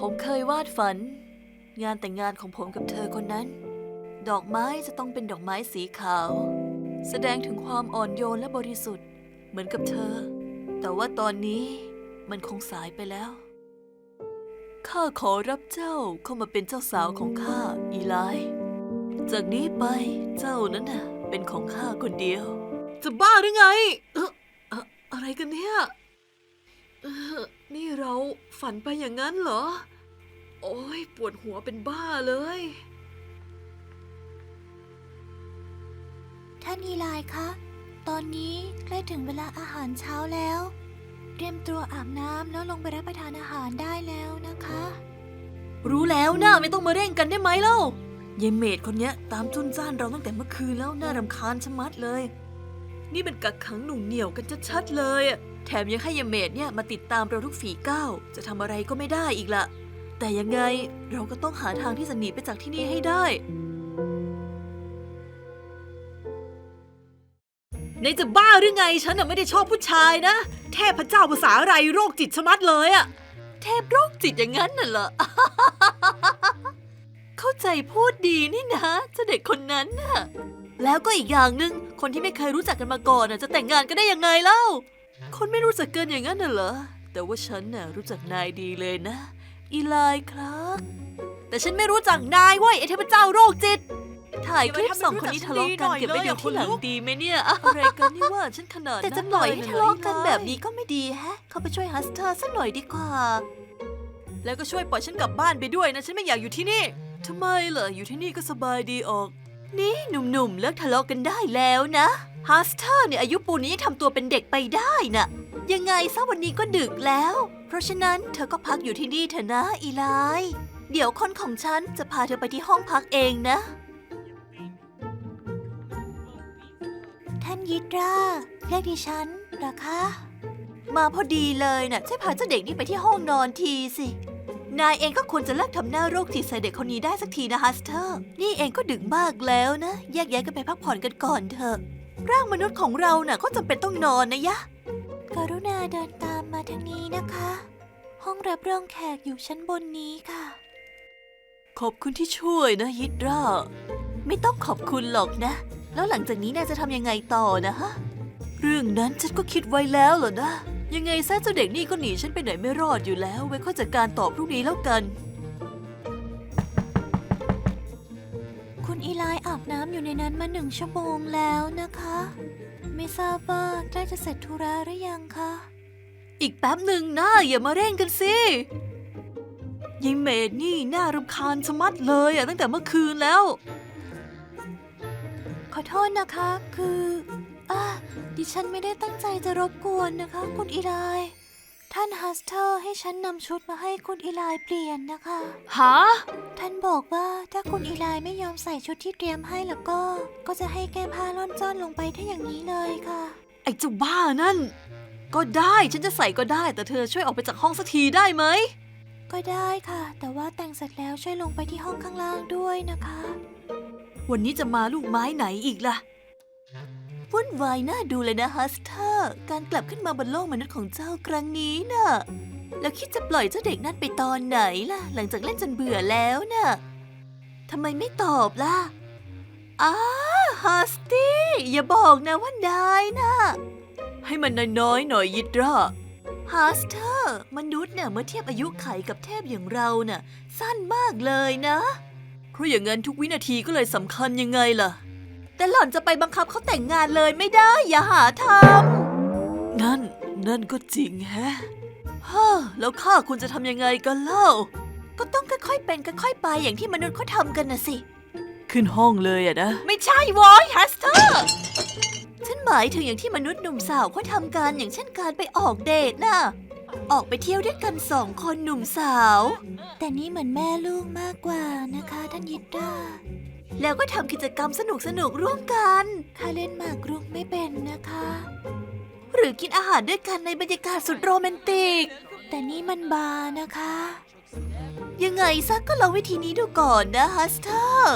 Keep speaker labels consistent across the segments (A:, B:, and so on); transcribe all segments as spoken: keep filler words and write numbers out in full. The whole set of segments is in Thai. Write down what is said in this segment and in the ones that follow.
A: ผมเคยวาดฝันงานแต่งงานของผมกับเธอคนนั้นดอกไม้จะต้องเป็นดอกไม้สีขาวแสดงถึงความอ่อนโยนและบริสุทธิ์เหมือนกับเธอแต่ว่าตอนนี้มันคงสายไปแล้วข้าขอรับเจ้าเข้ามาเป็นเจ้าสาวของข้าอีไลจากนี้ไปเจ้านั้นน่ะเป็นของข้าคนเดียวจะบ้าหรือไงเออเอ่ออะไรกันเนี่ยเออนี่เราฝันไปอย่างนั้นเหรอโอ้ยปวดหัวเป็นบ้าเลย
B: ท่านอีไลคะตอนนี้ใกล้ถึงเวลาอาหารเช้าแล้วเตรียมตัวอาบน้ำแล้วลงไปรับประทานอาหารได้แล้วนะคะ
A: รู้แล้วนะไม่ต้องมาเร่งกันได้ไหมเล่ายายเมดคนเนี้ยตามจุนจ้านเราตั้งแต่เมื่อคืนแล้วน่ารำคาญชะมัดเลยนี่เป็นกักขังหนุ่งเหนี่ยวกันชัดๆเลยแถมยังให้ยายเมดเนี่ยมาติดตามเราทุกฝีก้าวจะทำอะไรก็ไม่ได้อีกละแต่ยังไงเราก็ต้องหาทางที่จะหนีไปจากที่นี่ให้ได้ในจะบ้าหรือไงฉันน่ะไม่ได้ชอบผู้ชายนะเทพเจ้าภาษาอะไรโรคจิตชะมัดเลยอะเทพโรคจิตอย่างนั้นน่ะเหรอ เข้าใจพูดดีนี่นะเจ้าเด็กคนนั้นน่ะแล้วก็อีกอย่างหนึ่งคนที่ไม่เคยรู้จักกันมาก่อนน่ะจะแต่งงานกันได้ยังไงเล่าคนไม่รู้จักกันอย่างนั้นน่ะเหรอแต่ว่าฉันน่ะรู้จักนายดีเลยนะอีไลครับแต่ฉันไม่รู้จักนายเว้ยไอ้เทพเจ้าโรคจิตถ่ายคลิปสองคนนี้ทะเลาะกันเก็บไว้ดูที่หลังดีไหมเนี่ยอะไรกันนี่ว่าฉันขนาดนั้นแต่จะปล่อยให้ทะเลาะกันแบบนี้ก็ไม่ดีแฮะเขาไปช่วยฮัสเตอร์สักหน่อยดีกว่าแล้วก็ช่วยปล่อยฉันกลับบ้านไปด้วยนะฉันไม่อยากอยู่ที่นี่ทำไมเหรออยู่ที่นี่ก็สบายดีออกนี่หนุ่มๆเลิกทะเลาะกันได้แล้วนะฮัสเตอร์เนี่ยอายุปูนนี้ยังทำตัวเป็นเด็กไปได้น่ะยังไงซะวันนี้ก็ดึกแล้วเพราะฉะนั้นเธอก็พักอยู่ที่นี่เถอะนะอีไลเดี๋ยวคนของฉันจะพาเธอไปที่ห้องพักเองนะ
B: ท่านยิตราเรียกดิฉันเหรอคะ
A: มาพอดีเลยน่ะช่วยพาเจ้าเด็กนี่ไปที่ห้องนอนทีสินายเองก็ควรจะเลิกทำหน้าโรคจิตใส่เด็กคนนี้ได้สักทีนะฮัสเตอร์นี่เองก็ดึกมากแล้วนะแยกย้ายกันไปพักผ่อนกันก่อนเถอะร่างมนุษย์ของเราน่ะก็จำเป็นต้องนอนนะยะ
B: กรุณาเดินตามมาทางนี้นะคะห้องรับรองแขกอยู่ชั้นบนนี้ค่ะ
A: ขอบคุณที่ช่วยนะยิตราไม่ต้องขอบคุณหรอกนะแล้วหลังจากนี้นายจะทำยังไงต่อนะฮะเรื่องนั้นฉันก็คิดไว้แล้วเหรอนะยังไงซะเจ้าเด็กนี่ก็หนีฉันไปไหนไม่รอดอยู่แล้วไว้ค่อยจัดการต่อพรุ่งนี้แล้วกัน
B: คุณอีไลอาบน้ำอยู่ในนั้นมาหนึ่งชั่วโมงแล้วนะคะไม่ทราบว่าใกล้จะเสร็จธุระหรือยังคะ
A: อีกแป๊บหนึ่งนะอย่ามาเร่งกันสิยายเมดนี่น่ารำคาญชะมัดเลยอะตั้งแต่เมื่อคืนแล้ว
B: ขอโทษนะคะคืออ่ะดิฉันไม่ได้ตั้งใจจะรบกวนนะคะคุณอีไลท่านฮัสเตอร์ให้ฉันนำชุดมาให้คุณอีไลเปลี่ยนนะคะ
A: ฮะ
B: ท่านบอกว่าถ้าคุณอีไลไม่ยอมใส่ชุดที่เตรียมให้แล้วก็ก็จะให้แก้ผ้าล่อนจ้อนลงไปถ้าอย่างนี้เลยค่ะ
A: ไอ้เจ้าบ้านั่นก็ได้ฉันจะใส่ก็ได้แต่เธอช่วยออกไปจากห้องสักทีได้ไหม
B: ก็ได้ค่ะแต่ว่าแต่งเสร็จแล้วช่วยลงไปที่ห้องข้างล่างด้วยนะคะ
A: วันนี้จะมาลูกไม้ไหนอีกล่ะวุ่นวายน่าดูเลยนะฮัสเตอร์การกลับขึ้นมาบนโลกมนุษย์ของเจ้าครั้งนี้น่ะแล้วคิดจะปล่อยเจ้าเด็กนั่นไปตอนไหนล่ะหลังจากเล่นจนเบื่อแล้วน่ะทำไมไม่ตอบล่ะอ้าฮัสตี้อย่าบอกนะว่านายน่ะให้มันน้อยๆหน่อยยิตราฮัสเตอร์มนุษย์เนี่ยเมื่อเทียบอายุไขกับเทพอย่างเราน่ะสั้นมากเลยนะเพราะอย่างนั้นทุกวินาทีก็เลยสำคัญยังไงล่ะแต่หล่อนจะไปบังคับเขาแต่งงานเลยไม่ได้อย่าหาทำนั่นนั่นก็จริงแฮะฮ่าแล้วข้าคุณจะทำยังไงกันเล่าก็ต้องค่อยๆเป็นค่อยๆไปอย่างที่มนุษย์เขาทำกันนะสิขึ้นห้องเลยอะนะไม่ใช่วอยฮัสเตอร์ฉันหมายถึงอย่างที่มนุษย์หนุ่มสาวเขาทำกันอย่างเช่นการไปออกเดทน่ะออกไปเที่ยวด้วยกันสองคนหนุ่มสาว
B: แต่นี่เหมือนแม่ลูกมากกว่านะคะท่านยิตรา
A: แล้วก็ทำกิจกรรมสนุกสนุกร่วมกัน
B: ข้าเล่นหมากรุกไม่เป็นนะคะ
A: หรือกินอาหารด้วยกันในบรรยากาศสุดโรแมนติก
B: แต่นี่มันบาร์นะคะ
A: ยังไงซักก็ลองวิธีนี้ดูก่อนนะฮัสเตอร์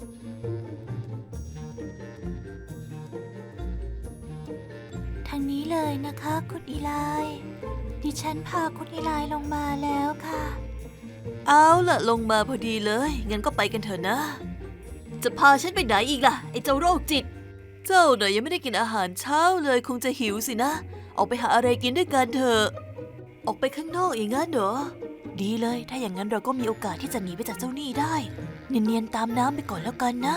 B: ทางนี้เลยนะคะคุณอีไลดิฉันพาคุณอีไลลงมาแล้วค่ะ
A: เอาล่ะลงมาพอดีเลยงั้นก็ไปกันเถอะนะ จะพาฉันไปไหนอีกล่ะไอ้เจ้าโรคจิตเจ้าเน่ยยังไม่ได้กินอาหารเช้าเลยคงจะหิวสินะออกไปหาอะไรกินด้วยกันเถอะออกไปข้างนอกอย่างนั้นเหรอดีเลยถ้าอย่างนั้นเราก็มีโอกาสที่จะหนีไปจากเจ้าหนี้ได้เนียนๆตามน้ำไปก่อนแล้วกันนะ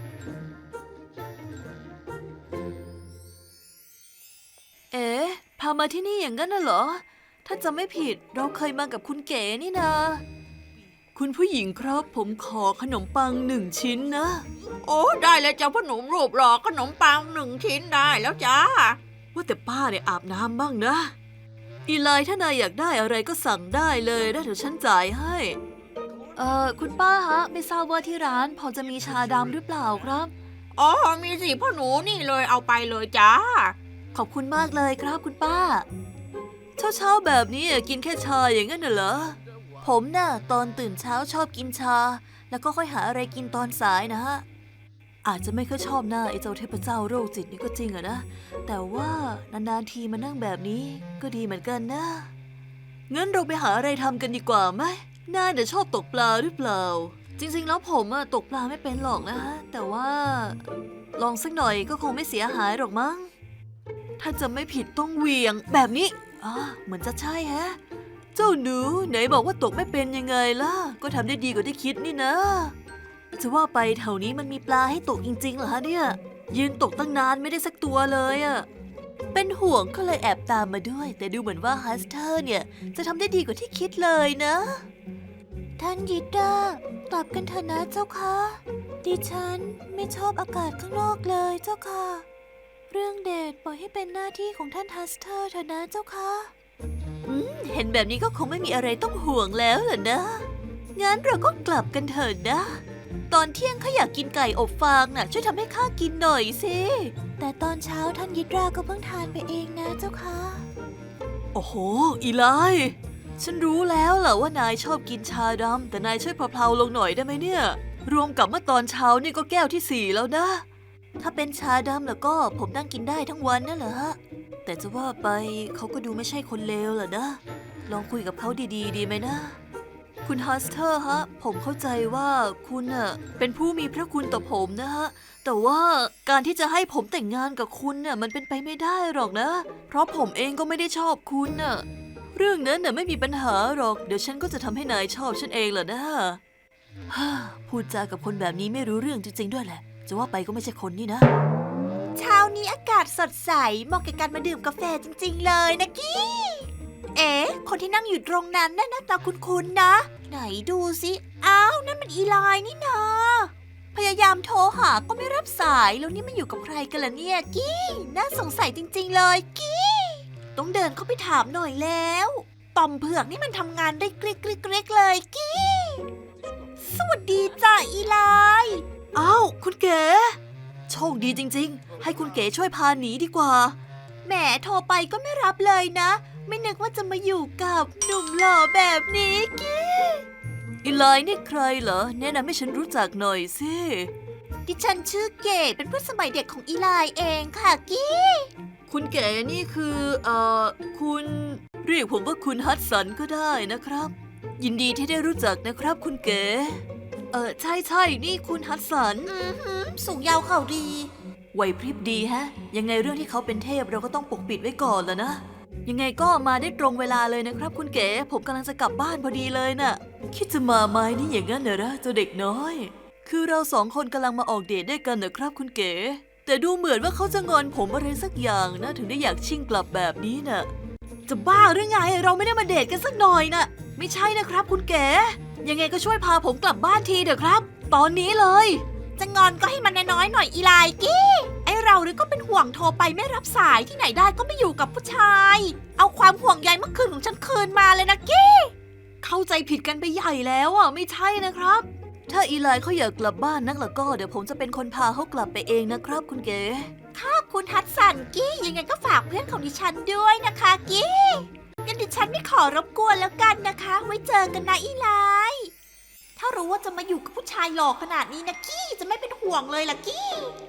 A: เอ๊ะพามาที่นี่อย่างนั้นน่ะเหรอถ้าจำไม่ผิดเราเคยมากับคุณเก๋นี่นาคุณผู้หญิงครับผมขอขนมปังหนึ่งชิ้นนะ
C: โอ้ได้เลยจ้าพ่อหนุ่มรูปหล่อขนมปังหนึ่งชิ้นได้แล้วจ้า
A: ว่าแต่ป้าเนี่ยอาบน้ำบ้างนะอีไลถ้านายอยากได้อะไรก็สั่งได้เลยนะเดี๋ยวฉันจ่ายให้เอ่อคุณป้าฮะไม่ทราบว่าที่ร้านพอจะมีชาดำหรือเปล่าครับ
C: อ๋อมีสิพ่อหนูนี่เลยเอาไปเลยจ้า
A: ขอบคุณมากเลยครับคุณป้าเช้าๆแบบนี้กินแค่ชาอย่างนั้นน่ะเหรอผมน่ะตอนตื่นเช้าชอบกินชาแล้วก็ค่อยหาอะไรกินตอนสายนะฮะอาจจะไม่ค่อยชอบหน้าไอ้เจ้าเทพเจ้าโรคจิตนี่ก็จริงอะนะแต่ว่านานๆทีมานั่งแบบนี้ก็ดีเหมือนกันนะงั้นเราไปหาอะไรทำกันดีกว่าไหมนายเนี่ยชอบตกปลาหรือเปล่าจริงๆแล้วผมอะตกปลาไม่เป็นหรอกนะฮะแต่ว่าลองสักหน่อยก็คงไม่เสียหายหรอกมั้งถ้าจะไม่ผิดต้องเหวี่ยงแบบนี้อ๋อเหมือนจะใช่ฮะเจ้าหนูไหนบอกว่าตกไม่เป็นยังไงล่ะก็ทำได้ดีกว่าที่คิดนี่นะจะว่าไปแถวนี้มันมีปลาให้ตกจริงๆเหรอฮะเนี่ยยืนตกตั้งนานไม่ได้สักตัวเลยอะเป็นห่วงก็เลยแอบตามมาด้วยแต่ดูเหมือนว่าฮัสเตอร์เนี่ยจะทำได้ดีกว่าที่คิดเลยนะท่านยิดากลับกันเถอะนะเจ้าค่ะดิฉันไม่ชอบอากาศข้างนอกเลยเจ้าค่ะเรื่องเดทปล่อยให้เป็นหน้าที่ของท่านฮัสเตอร์เถอะนะเจ้าค่ะอืมเห็นแบบนี้ก็คงไม่มีอะไรต้องห่วงแล้วเหรอนะงั้นเราก็กลับกันเถอะนะตอนเที่ยงข้าอยากกินไก่อบฟางน่ะช่วยทำให้ข้ากินหน่อยสิแต่ตอนเช้าท่านยิดราก็เพิ่งทานไปเองนะเจ้าค่ะโอ้โหอีไลฉันรู้แล้วแหละว่านายชอบกินชาดำแต่นายช่วยเพลาๆลงหน่อยได้ไหมเนี่ยรวมกับเมื่อตอนเช้านี่ก็แก้วที่สี่แล้วนะถ้าเป็นชาดำแล้วก็ผมนั่งกินได้ทั้งวันนั่นเหรอฮะแต่จะว่าไปเขาก็ดูไม่ใช่คนเลวเหรอนะลองคุยกับเขาดีๆดีไหมนะคุณฮัสเตอร์ฮะผมเข้าใจว่าคุณน่ะเป็นผู้มีพระคุณต่อผมนะฮะแต่ว่าการที่จะให้ผมแต่งงานกับคุณน่ะมันเป็นไปไม่ได้หรอกนะเพราะผมเองก็ไม่ได้ชอบคุณน่ะเรื่องนั้นน่ะไม่มีปัญหาหรอกเดี๋ยวฉันก็จะทำให้นายชอบฉันเองแหละนะฮ่าพูดจากับคนแบบนี้ไม่รู้เรื่องจริงๆด้วยแหละจะว่าไปก็ไม่ใช่คนนี่นะเช้านี้อากาศสดใสเหมาะกับการมาดื่มกาแฟจริงๆเลยนะกี้เอ๊ะคนที่นั่งอยู่ตรงนั้นน่ะหน้าตาคุ้นๆนะ ไหนดูสิอ้าวนั่นมันอีไลน์นี่นาพยายามโทรหาก็ไม่รับสายแล้วนี่มันอยู่กับใครกันล่ะเนี่ยกี้น่าสงสัยจริงๆเลยกี้ต้องเดินเข้าไปถามหน่อยแล้วต่อมเผือกนี่มันทำงานได้กริกกริกกริกเลยกี้สวัสดีจ้าอีไลน์อ้าวคุณเก๋โชคดีจริงๆให้คุณเก๋ช่วยพาหนีดีกว่าแหมโทรไปก็ไม่รับเลยนะไม่นึกว่าจะมาอยู่กับหนุ่มหล่อแบบนี้กี้อีไลน์นี่ใครเหรอแนะนำให้ฉันรู้จักหน่อยสิดิฉันชื่อเก๋เป็นเพื่อนสมัยเด็กของอีไลน์เองค่ะกี้คุณเก๋นี่คือเอ่อคุณเรียกผมว่าคุณฮัตสันก็ได้นะครับยินดีที่ได้รู้จักนะครับคุณเก๋เออใช่ใช่นี่คุณฮัตสันอือหือสูงยาวเข่าดีไหวพริบดีฮะยังไงเรื่องที่เขาเป็นเทพเราก็ต้องปกปิดไว้ก่อนแล้วนะยังไงก็มาได้ตรงเวลาเลยนะครับคุณเก๋ผมกำลังจะกลับบ้านพอดีเลยน่ะคิดจะมาไหมนี่อย่างนั้นเหรอเจ้าเด็กน้อยคือเราสองคนกำลังมาออกเดทด้วยกันนะครับคุณเก๋แต่ดูเหมือนว่าเขาจะงอนผมอะไรสักอย่างนะถึงได้อยากชิ่งกลับแบบนี้น่ะจะบ้าหรือไงเราไม่ได้มาเดทกันสักหน่อยน่ะไม่ใช่นะครับคุณเก๋ยังไงก็ช่วยพาผมกลับบ้านทีเถอะครับตอนนี้เลยจะงอนก็ให้มันน้อยๆหน่อยอีไลน์กี้ไอเราหรือก็เป็นห่วงโทรไปไม่รับสายที่ไหนได้ก็ไม่อยู่กับผู้ชายเอาความห่วงใยเมื่อคืนของฉันคืนมาเลยนะกี้เข้าใจผิดกันไปใหญ่แล้วอ่ะไม่ใช่นะครับถ้าอีไลน์เขาอยากกลับบ้านนักละก็เดี๋ยวผมจะเป็นคนพาเขากลับไปเองนะครับคุณเก๋ค่ะคุณฮัตสันกี้ยังไงก็ฝากเพื่อนของดิฉันด้วยนะคะกี้งั้นดิฉันไม่ขอรบกวนแล้วกันนะคะไว้เจอกันนะอีไลน์ถ้ารู้ว่าจะมาอยู่กับผู้ชายหล่อขนาดนี้นะกี้จะไม่เป็นห่วงเลยล่ะกี้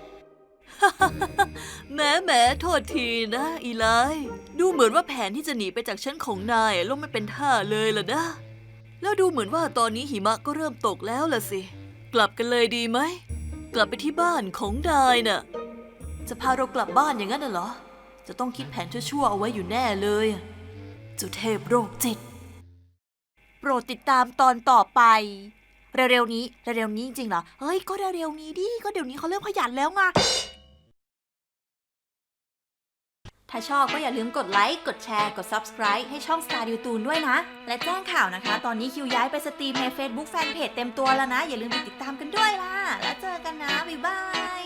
A: แหมแหมโทษทีนะอีไลน์ดูเหมือนว่าแผนที่จะหนีไปจากฉันของนายล่มไม่เป็นท่าเลยล่ะนะแล้วดูเหมือนว่าตอนนี้หิมะก็เริ่มตกแล้วล่ะสิ กลับกันเลยดีไหม กลับไปที่บ้านของนายน่ะ จะพาเรากลับบ้านอย่างนั้นน่ะเหรอ จะต้องคิดแผนชั่วๆเอาไว้อยู่แน่เลยเจ้าเทพโรคจิต
B: โปรดติดตามตอนต่อไป เร็วๆนี้ เร็วๆนี้จริงๆเหรอ เฮ้ย ก็เร็วๆนี้ดิ ก็เดี๋ยวนี้เขาเริ่มขยันแล้วไง ถ้าชอบก็อย่าลืมกดไลค์ กดแชร์ กด Subscribe ให้ช่อง Star ดิวตูนด้วยนะ และแจ้งข่าวนะคะ ตอนนี้คิวย้ายไปสตรีมใน Facebook Fanpage เต็มตัวแล้วนะ อย่าลืมไปติดตามกันด้วยล่ะ แล้วเจอกันนะ บ๊ายบาย